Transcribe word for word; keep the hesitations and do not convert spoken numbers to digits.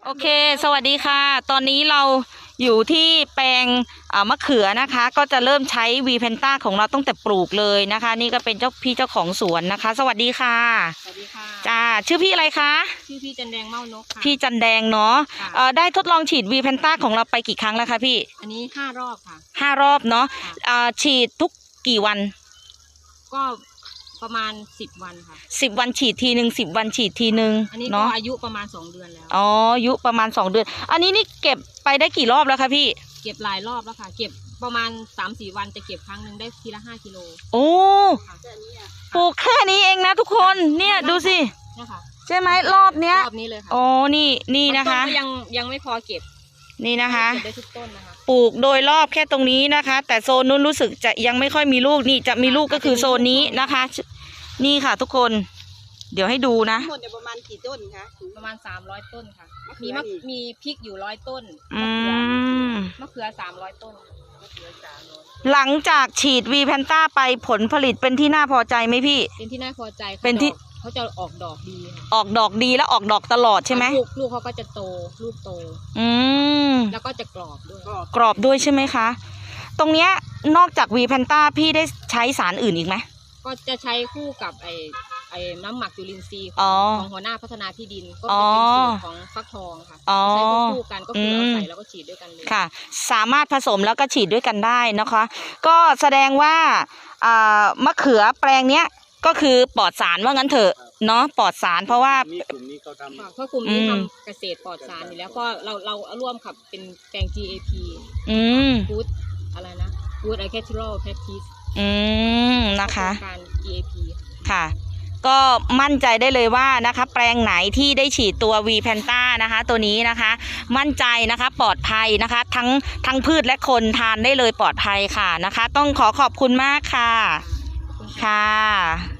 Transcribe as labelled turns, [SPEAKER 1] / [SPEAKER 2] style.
[SPEAKER 1] โอเคสวัสดีค่ะตอนนี้เราอยู่ที่แปลงมะเขือนะคะก็จะเริ่มใช้วีเพนต้าของเราตั้งแต่ปลูกเลยนะคะนี่ก็เป็นเจ้าพี่เจ้าของสวนนะคะสวัสดีค่ะ
[SPEAKER 2] สวัสดีค่ะ
[SPEAKER 1] จ้าชื่อพี่อะไรคะ
[SPEAKER 2] ชื่อพี่จันแดงเม้านกค่ะ
[SPEAKER 1] พี่จันแดงเนาะเอ่อได้ทดลองฉีดวีเพนต้าของเราไปกี่ครั้งแล้วคะพี่
[SPEAKER 2] อันนี้ห้ารอบค่ะ
[SPEAKER 1] ห้ารอบเนาะอ่าฉีดทุกกี่วัน
[SPEAKER 2] ก็ประมาณสิบวันค่ะ
[SPEAKER 1] สิบวันฉีดทีหนึ่งสิบวันฉีดทีหนึ่ง
[SPEAKER 2] อันนี้ก็อายุประมาณสองเดือนแล้ว
[SPEAKER 1] อ๋ออายุประมาณสองเดือนอันนี้นี่เก็บไปได้กี่รอบแล้วคะพี่
[SPEAKER 2] เก็บหลายรอบแล้วค่ะเก็บประมาณสามสี่วันจะเก็บครั้งหนึ่งได้ทีละห้ากิโล
[SPEAKER 1] โอ้ปลูกแค่นี้เองนะทุกคนเนี่ยดูสิใช่ไหมรอบเนี้ย
[SPEAKER 2] รอบนี้เลยค่ะ
[SPEAKER 1] อ๋อนี่นี่นะคะ
[SPEAKER 2] ยังยังไม่พอเก็บ
[SPEAKER 1] นี่นะคะ
[SPEAKER 2] เก็บได้ทุกต้นนะคะ
[SPEAKER 1] ปลูกโดยรอบแค่ตรงนี้นะคะแต่โซนนู้นรู้สึกจะยังไม่ค่อยมีลูกนี่จะมีลูกก็คือโซนนี้นะคะนี่ค่ะทุกคนเดี๋ยวให้ดูนะ
[SPEAKER 3] ทั้งหมดประมาณกี่ต้นคะ
[SPEAKER 2] ประมาณสามร้อยต้นค่ะมีมะมีพริกอยู่ร้อยต้น
[SPEAKER 1] อืม
[SPEAKER 2] มะเขือสามร้อยต้น
[SPEAKER 1] หลังจากฉีดวีแพนต้าไปผลผลิตเป็นที่น่าพอใจไหมพี่
[SPEAKER 2] เป็นที่น่าพอใจ
[SPEAKER 1] เป็นที่
[SPEAKER 2] เขาจะออกดอกดี
[SPEAKER 1] ออกดอกดีแล้วออกดอกตลอดใช่ไหม
[SPEAKER 2] ลูกลูกเขาก็จะโตลูกโต
[SPEAKER 1] อืม
[SPEAKER 2] แล้วก็จะกรอบด้วย
[SPEAKER 1] กรอบด้วยใช่ไหมคะตรงเนี้ยนอกจากวีแพนต้าพี่ได้ใช้สารอื่นอีกไหม
[SPEAKER 2] ก็จะใช้คู่กับไอไอ้น้ำหมักจุลินทรีย์ของหัวหน้าพัฒนาที่ดินก็จะเป็นสูตรของฟักทองค่ะใช้คู่กันก็คือเราใส่แล้วก็ฉีดด้วยกันเลย
[SPEAKER 1] ค่ะสามารถผสมแล้วก็ฉีดด้วยกันได้นะคะก็แสดงว่ามะเขือแปลงเนี้ยก็คือปลอดสารว่างั้นเถอะเนาะปลอดสารเพราะว่ากลุ่มนี้เขาท
[SPEAKER 2] ำเพราะกลุ่มนี้ทำเกษตรปลอดสารอยู่แล้วก็เราเราร่วมกับเป็นแปลง จี เอ พี
[SPEAKER 1] อืม
[SPEAKER 2] Good อะไรนะ Good Agricultural Practice
[SPEAKER 1] อืมนะคะ
[SPEAKER 2] การ จี เอ พี
[SPEAKER 1] ค่ะก็มั่นใจได้เลยว่านะคะแปลงไหนที่ได้ฉีดตัววีแพนต้านะคะตัวนี้นะคะมั่นใจนะคะปลอดภัยนะคะทั้งทั้งพืชและคนทานได้เลยปลอดภัยค่ะนะคะต้องขอขอบคุณมากค่ะค่ะ